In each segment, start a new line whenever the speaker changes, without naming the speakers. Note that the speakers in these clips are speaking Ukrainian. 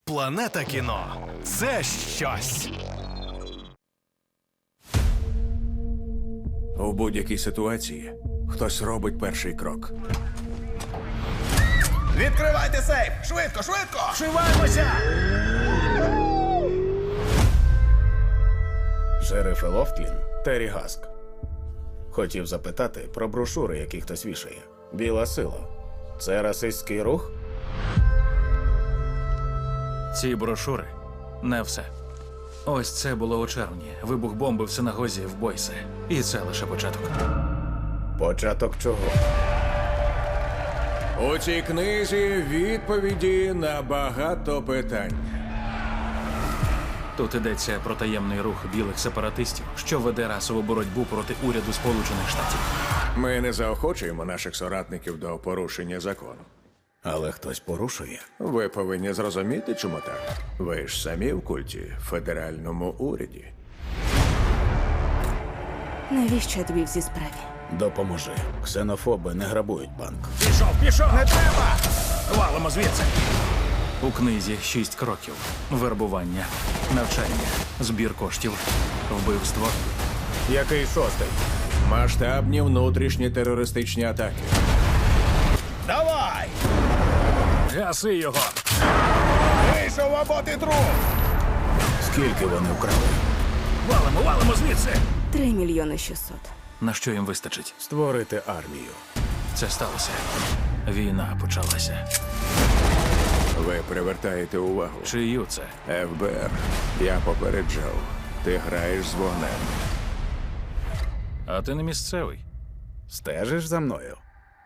Планета кіно – це щось.
У будь-якій ситуації хтось робить перший крок.
Відкривайте сейф! Швидко, швидко!
Вшиваємося!
Шериф Лофтлін, Террі Гаск. Хотів запитати про брошури, які хтось вішає. Біла сила. Це расистський рух?
Ці брошури – не все. Ось це було у червні. Вибух бомби в синагозі в Бойсе. І це лише початок.
Початок чого?
У цій книзі відповіді на багато питань.
Тут йдеться про таємний рух білих сепаратистів, що веде расову боротьбу проти уряду Сполучених Штатів.
Ми не заохочуємо наших соратників до порушення закону.
Але хтось порушує.
Ви повинні зрозуміти, чому так. Ви ж самі в культі, в федеральному уряді.
Навіщо я тобі в цій справі?
Допоможи. Ксенофоби не грабують банк.
Пішов! Не треба! Валимо звідси!
У книзі 6 кроків. Вербування, навчання, збір коштів, вбивство.
Який шостий?
Масштабні внутрішні терористичні атаки.
Давай! Гаси його!
Вийшов або ти труп! Скільки вони вкрали?
Валимо звідси!
3 мільйони 600.
На що їм вистачить?
Створити армію.
Це сталося. Війна почалася.
Ви привертаєте увагу.
Чию це?
ФБР, я попереджав. Ти граєш з вогнем.
А ти не місцевий.
Стежиш за мною?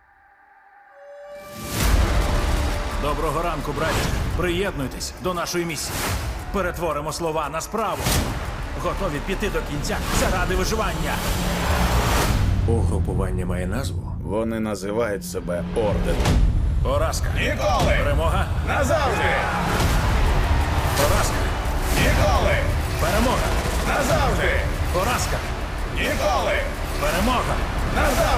Доброго ранку, браті. Приєднуйтесь до нашої місії. Перетворимо слова на справу. Готові піти до кінця заради виживання.
Угрупування має назву?
Вони називають себе Орденом.
Поразка.
Ніколи!
Перемога.
Назавжди!
Поразка.
Ніколи!
Перемога.
Назавжди!
Поразка.
Ніколи!
Перемога.
Назавжди!